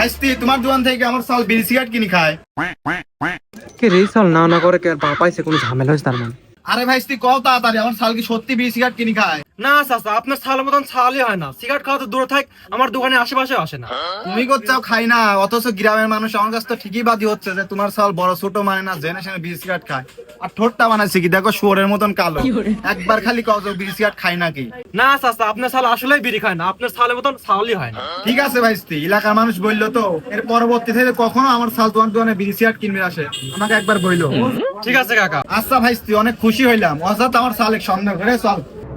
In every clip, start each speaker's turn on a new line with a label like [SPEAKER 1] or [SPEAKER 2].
[SPEAKER 1] ভাইস্তি তোমার দোকান থেকে আমার সাল বিড়ি সিগারেট কিনে খায়।
[SPEAKER 2] কে রে সাল না না করে কে আর পাইছে কোনো ঝামেলা হয়েছে তার মানে?
[SPEAKER 1] আরে ভাইস্তি কও তাড়াতাড়ি, আমার সাল কি সত্যি বিড়ি সিগারেট কিনে খায়?
[SPEAKER 3] না চাচা, আপনার ছালের মতন ছালই হয় না। সিগারেট খাওয়া তো দূরে থাক, আমার দোকানে আশেপাশে আসে না।
[SPEAKER 1] তুমি করছাও খাই না, অথচ গ্রামের মানুষ আমার কাছে তো ঠিকই বাদী হচ্ছে যে তোমার সাল বড় ছোট মানে না, জেনে শুনে বিড়ি সিগারেট খায়। আর ঠোঁটটা বানাইছে কি দেখো, শুয়োরের মতন কালো। একবার খালি কও যে বিড়ি সিগারেট খাই নাকি?
[SPEAKER 3] না চাচা, আপনার ছাল আসলেই বিড়ি খায় না, আপনার ছালের মতন ছালই হয় না।
[SPEAKER 1] ঠিক আছে ভাইস্তি, এলাকার মানুষ বললো তো, এর পরবর্তী থেকে কখনো আমার সাল তোমার দোকানে বিড়ি সিগারেট কিনবে আসে আমাকে একবার বললো।
[SPEAKER 3] ঠিক আছে কাকা।
[SPEAKER 1] আচ্ছা ভাইস্তি, অনেক খুশি হইলাম, অর্থাৎ আমার সাল এক সন্দেহ করে চল।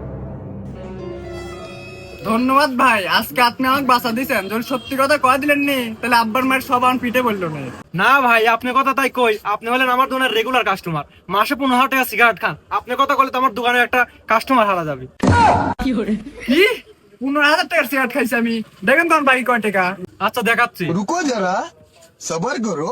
[SPEAKER 4] ধন্যবাদ ভাই, আজকে আপনি আমাকে বাঁচা দিয়েছেন। যদি সত্যি কথা কয়ে দিলেন নি তাহলে আব্বার মায়ের সব আমার পিঠে বললো না।
[SPEAKER 3] না ভাই, আপনি কথা তাই কই, আপনি হলেন আমার দোকানের রেগুলার কাস্টমার, মাসে 15,000 টাকা সিগারেট খান। আপনি কথা বলে তো আমার দোকানে একটা কাস্টমার হারা যাবে।
[SPEAKER 4] কি 15,000 টাকার সিগারেট খাইছি আমি? দেখেন তোমার বাকি কয় টাকা।
[SPEAKER 3] আচ্ছা দেখাচ্ছি।
[SPEAKER 5] रुको जरा सबर करो।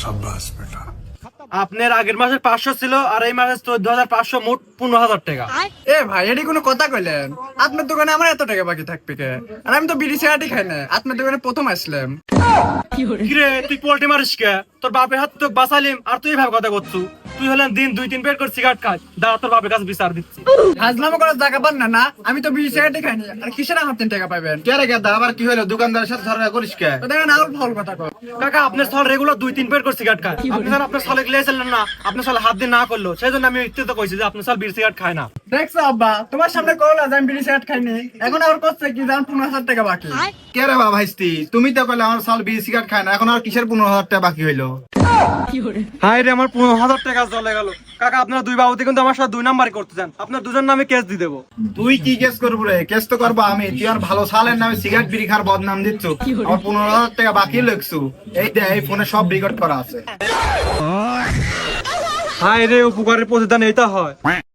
[SPEAKER 3] আপনার আগের মাসের 500 ছিল, আর এই মাসের 14,500, মোট 15,000 টাকা।
[SPEAKER 4] এ ভাই, এটি কোনো কথা কইলেন? আপনার দোকানে আমার এত টাকা বাকি থাকবে কে? আর আমি তো বিড়ি সিগারেটই খাই না, আপনার দোকানে প্রথম আসলাম।
[SPEAKER 3] কিরে তুই পোল্ট্রি মারিস কে? তোর বাপের হাত তো বাঁচালিম, আর তুই ভাবে কথা করছু? তুই হলেন দিন 2-3 প্যাকেট করে সিগারেট খাস। দাঁড়া, তোর বাপের কাছে বিচার দিচ্ছি।
[SPEAKER 4] হাজলামো করার জায়গা পান না না? আমি তো বিড়ি সিগারেটই খাইনি, আর কিসের আমার 3 টাকা পাবেন?
[SPEAKER 1] কে রে গেদা, আবার কি হলো? দোকানদারের সাথে ঝগড়া করিস কে?
[SPEAKER 4] তো দেখেন আর ফল কথা কয়।
[SPEAKER 3] কাকা, আপনার সাল রেগুলার 2-3 প্যাকেট করে সিগারেট খায়। আপনি স্যার আপনার সালে গিয়েছিলেন না, আপনার সালে হাত দিয়ে না করলো, সেই জন্য আমি ইত্যুত কইছি যে আপনার সাল বিড়ি সিগারেট খায় না।
[SPEAKER 4] দেখছো আব্বা, তোমার সামনে করলা যে আমি বিড়ি সিগারেট খাইনি, এখন আবার করছে কি জান 15,000 টাকা বাকি।
[SPEAKER 1] কে রে বাবা ভাইস্তি, তুমি তো কইলে আমার সাল বিড়ি সিগারেট খায় না, এখন আর কিসের 15,000 টাকা বাকি হইলো?
[SPEAKER 3] হাই রে, আমার 15,000 টাকা চলে গেল। কাকা, আপনারা দুই বাবুতে কিন্তু আমার সাথে 2 নাম্বারই করতে চান, আপনার দুজন নামে কেস দিয়ে দেবো।
[SPEAKER 1] তুই কি কেস করবো রে? কেস তো করবো আমি। তুই আর ভালো সালের নামে সিগারেট বিড়ি খাওয়ার বদনাম দিচ্ছ, আমার 15,000 টাকা বাকি লিখছু। এই দে, এই ফোনে সব রেকর্ড করা আছে।
[SPEAKER 3] হাই রে, উপকারের প্রতিদান এইটা হয়।